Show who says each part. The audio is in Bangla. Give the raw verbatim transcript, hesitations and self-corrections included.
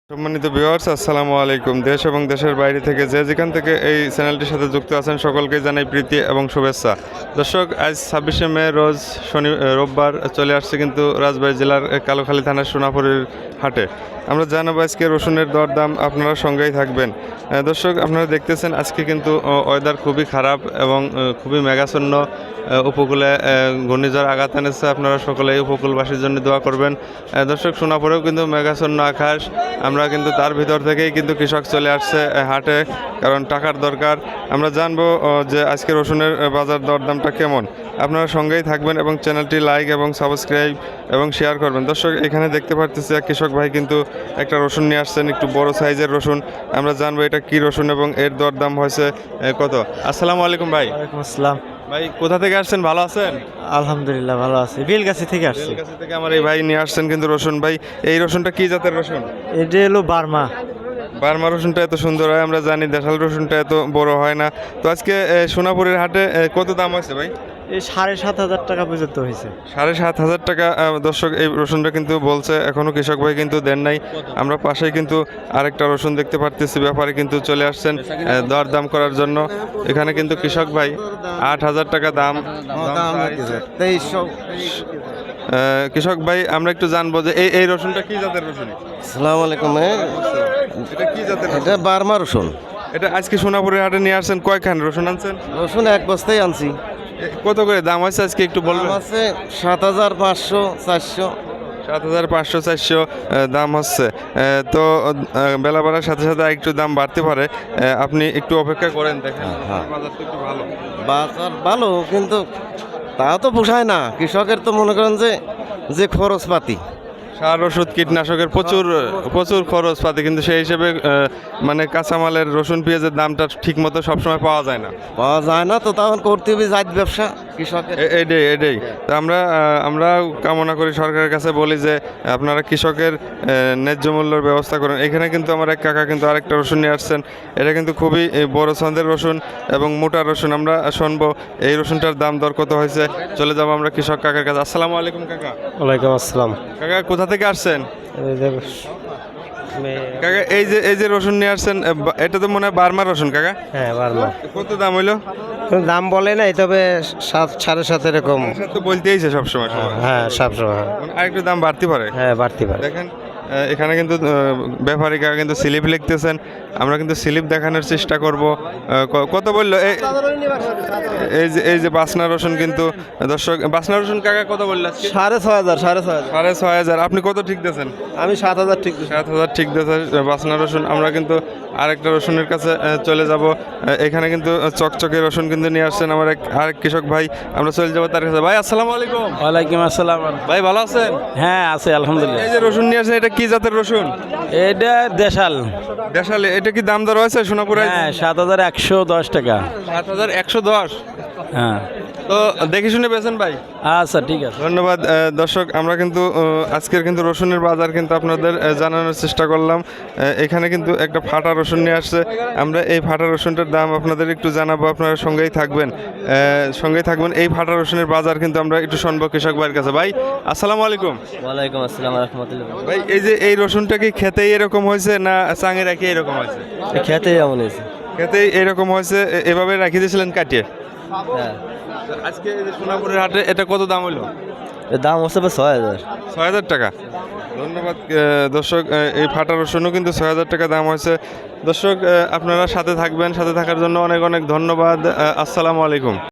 Speaker 1: সম্মানিত ভিউয়ার্স, আসসালামু আলাইকুম। দেশ এবং দেশের বাইরে থেকে যে যেখান থেকে এই চ্যানেলটির সাথে যুক্ত আছেন সকলকে জানাই প্রীতি এবং শুভেচ্ছা। দর্শক, আজ ছাব্বিশে মে রোজ শনি রোববার চলে আসছে কিন্তু রাজবাড়ী জেলার কালোখালী থানার সোনাপুরের হাটে। আমরা জানাবো আজকে রসুনের দরদাম, আপনারা সঙ্গেই থাকবেন। দর্শক, আপনারা দেখতেছেন আজকে কিন্তু ওয়েদার খুবই খারাপ এবং খুবই মেঘাচ্ছন্ন। উপকূলে ঘূর্ণিঝড় আঘাত এনেছে, আপনারা সকলেই উপকূলবাসীর জন্য দোয়া করবেন। দর্শক, সোনাপুরেও কিন্তু মেঘাচ্ছন্ন আকাশ। আমরা কিন্তু তার ভিতর থেকেই কিন্তু কৃষক চলে আসছে হাটে, কারণ টাকার দরকার। আমরা জানবো যে আজকে রসুনের বাজার দরদামটা কেমন। আপনারা সঙ্গেই থাকবেন এবং চ্যানেলটি লাইক এবং সাবস্ক্রাইব এবং শেয়ার করবেন। দর্শক, এখানে দেখতে পারতেছি এক কৃষক ভাই কিন্তু একটা রসুন নিয়ে আসছেন, একটু বড় সাইজের রসুন। আমরা জানবো এটা কি রসুন এবং এর দরদাম হয়েছে কত। আসসালামু আলাইকুম ভাই।
Speaker 2: ওয়ালাইকুম আসসালাম
Speaker 1: ভাই, কোথা থেকে আসছেন? ভালো আছেন?
Speaker 2: আলহামদুলিল্লাহ ভালো আছি। বেলগাছি থেকে আসছি।
Speaker 1: বেলগাছি থেকে আমার এই ভাই নিয়ে আসছেন কিন্তু রসুন। ভাই, এই রসুনটা কি জাতের রসুন?
Speaker 2: এটা হলো বার্মা।
Speaker 1: বার্মা রসুনটা এত সুন্দর হয়, আমরা জানি দেশাল রসুনটা এত বড় হয় না। তো আজকে সোনাপুরের হাটে কত দাম হয়েছে ভাই?
Speaker 2: এই সাড়ে সাত হাজার টাকা পর্যন্ত হয়েছে।
Speaker 1: সাড়ে সাত হাজার টাকা। দর্শক, এই রসুনটা কিন্তু বলছে এখনো কৃষক ভাই কিন্তু দেন নাই। আমরা পাশেই কিন্তু আরেকটা রসুন দেখতে পারতেছি, ব্যাপারে কিন্তু চলে আসছেন দর দাম করার জন্য। এখানে কিন্তু কৃষক ভাই আট হাজার টাকা দাম। কৃষক ভাই, আমরা একটু জানবো যে এই এই রসুনটা কি জাতের রসুন?
Speaker 3: আসসালামু আলাইকুম।
Speaker 1: এটা কি জাতের?
Speaker 3: এটা বার্মা রসুন।
Speaker 1: এটা আজকে সোনাপুরের হাটে নিয়ে আসছেন, কয়খান রসুন আনছেন?
Speaker 3: রসুন এক বস্তায় আনছি।
Speaker 1: কত করে দাম হয়েছে আজকে একটু বলবেন?
Speaker 3: আছে সাত হাজার পাঁচশো চারশো।
Speaker 1: সাত হাজার পাঁচশো চারশো দাম হচ্ছে। তো বেলা বাড়ার সাথে সাথে একটু দাম বাড়তে পারে, আপনি একটু অপেক্ষা করেন, দেখেন বাজারটা একটু ভালো।
Speaker 3: বাজার ভালো, কিন্তু তা তো পোষায় না। কৃষকের তো মনে করেন যে যে খরচপাতি,
Speaker 1: সার ওষুধ কীটনাশকের প্রচুর প্রচুর খরচ পাতি, কিন্তু সেই হিসেবে মানে কাঁচামালের রসুন পেঁয়াজের দামটা ঠিক মতো সবসময় পাওয়া যায় না
Speaker 3: পাওয়া যায় না তো তখন করতে হবে জাত ব্যবসা কৃষকের।
Speaker 1: এটাই এটাই তো আমরা আমরা কামনা করি, সরকারের কাছে বলি যে আপনারা কৃষকের ন্যায্য মূল্যের ব্যবস্থা করেন। এখানে কিন্তু আমার এক কাকা কিন্তু আরেকটা রসুন নিয়ে আসছেন। এটা কিন্তু খুবই বড় ছন্দের রসুন এবং মোটা রসুন। আমরা শুনবো এই রসুনটার দাম দর কত হয়েছে। চলে যাবো আমরা কৃষক কাকার কাছে। আসসালামু আলাইকুম কাকা।
Speaker 2: ওয়ালাইকুম আসসালাম।
Speaker 1: কাকা, কোথা থেকে আসছেন? কাকা, এই যে এই যে রসুন নিয়ে আসছেন, এটা তো মনে হয় বার্মা রসুন কাকা?
Speaker 2: হ্যাঁ বার্মা।
Speaker 1: কত দাম হইলো?
Speaker 2: দাম বলে নাই, তবে সাত সাড়ে সাত এরকম
Speaker 1: তো বলতেইছে সবসময়।
Speaker 2: হ্যাঁ সবসময়।
Speaker 1: আরেকটু দাম বাড়তে পারে।
Speaker 2: হ্যাঁ বাড়তে পারে।
Speaker 1: দেখেন এখানে কিন্তু ব্যাপারী কাকা কিন্তু স্লিপ লিখতেছেন, আমরা কিন্তু স্লিপ দেখানোর চেষ্টা করব। কত বললো এই এই যে এই যে বাসনা রসুন? কিন্তু দর্শক, বাসনা রসুন কাকা কত বললো?
Speaker 2: সাড়ে ছয় হাজার সাড়ে ছয় হাজার
Speaker 1: সাড়ে ছয় হাজার। আপনি কত ঠিক দিয়েছেন?
Speaker 2: আমি সাত হাজার ঠিক।
Speaker 1: সাত হাজার ঠিক দিয়েছে বাসনা রসুন। আমরা কিন্তু আরেকটা রসুনের কাছে চলে যাব। এখানে কিন্তু চকচকে রসুন কিন্তু নিয়ে আসছেন আমার এক আরেক কৃষক ভাই। আমরা চলে যাবো তার কাছে। ভাই আসসালামু আলাইকুম।
Speaker 2: ওয়ালাইকুম আসসালাম।
Speaker 1: ভাই, ভালো আছেন?
Speaker 2: হ্যাঁ আছে আলহামদুলিল্লাহ।
Speaker 1: এই যে রসুন নিয়ে আসছেন, এটা কি জাতের রসুন?
Speaker 2: এটা দেশাল।
Speaker 1: দেশাল। এটা কি দাম দর হয়েছে সোনাপুরে?
Speaker 2: হ্যাঁ সাত হাজার একশো দশ টাকা।
Speaker 1: সাত হাজার একশো দশ।
Speaker 2: হ্যাঁ,
Speaker 1: তো দেখে শুনে বেছেন ভাই।
Speaker 2: আচ্ছা ঠিক আছে,
Speaker 1: ধন্যবাদ। দর্শক, আমরা কিন্তু আজকের কিন্তু রসুনের বাজার কিন্তু আপনাদের জানানোর চেষ্টা করলাম। এখানে কিন্তু একটা ফাটা রসুন নিয়ে আসছে, আমরা এই ফাটা রসুনটার দাম আপনাদের একটু জানাবো, আপনারা সঙ্গেই থাকবেন সঙ্গেই থাকবেন। এই ফাটা রসুনের বাজার কিন্তু আমরা একটু শুনবো কৃষক ভাইয়ের কাছে। ভাই আসসালামু আলাইকুম।
Speaker 3: ওয়ালাইকুম আসসালাম রহমতুল্লাহ।
Speaker 1: ভাই, এই যে এই রসুনটা কি খেতেই এরকম হয়েছে না চাঙে রাখি এরকম হয়েছে?
Speaker 3: খেতে এমন হয়েছে।
Speaker 1: খেতেই এরকম হয়েছে, এভাবে রাখি দিয়েছিলেন কাটিয়ে?
Speaker 3: হ্যাঁ।
Speaker 1: আজকে এই যে সোনাপুরের হাটে এটা কত দাম হলো?
Speaker 3: এর দাম হচ্ছে ছয় হাজার
Speaker 1: ছয় হাজার টাকা। ধন্যবাদ দর্শক, এই ফাটা রসুনও কিন্তু ছয় হাজার টাকা দাম হয়েছে। দর্শক, আপনারা সাথে থাকবেন, সাথে থাকার জন্য অনেক অনেক ধন্যবাদ। আসসালামু আলাইকুম।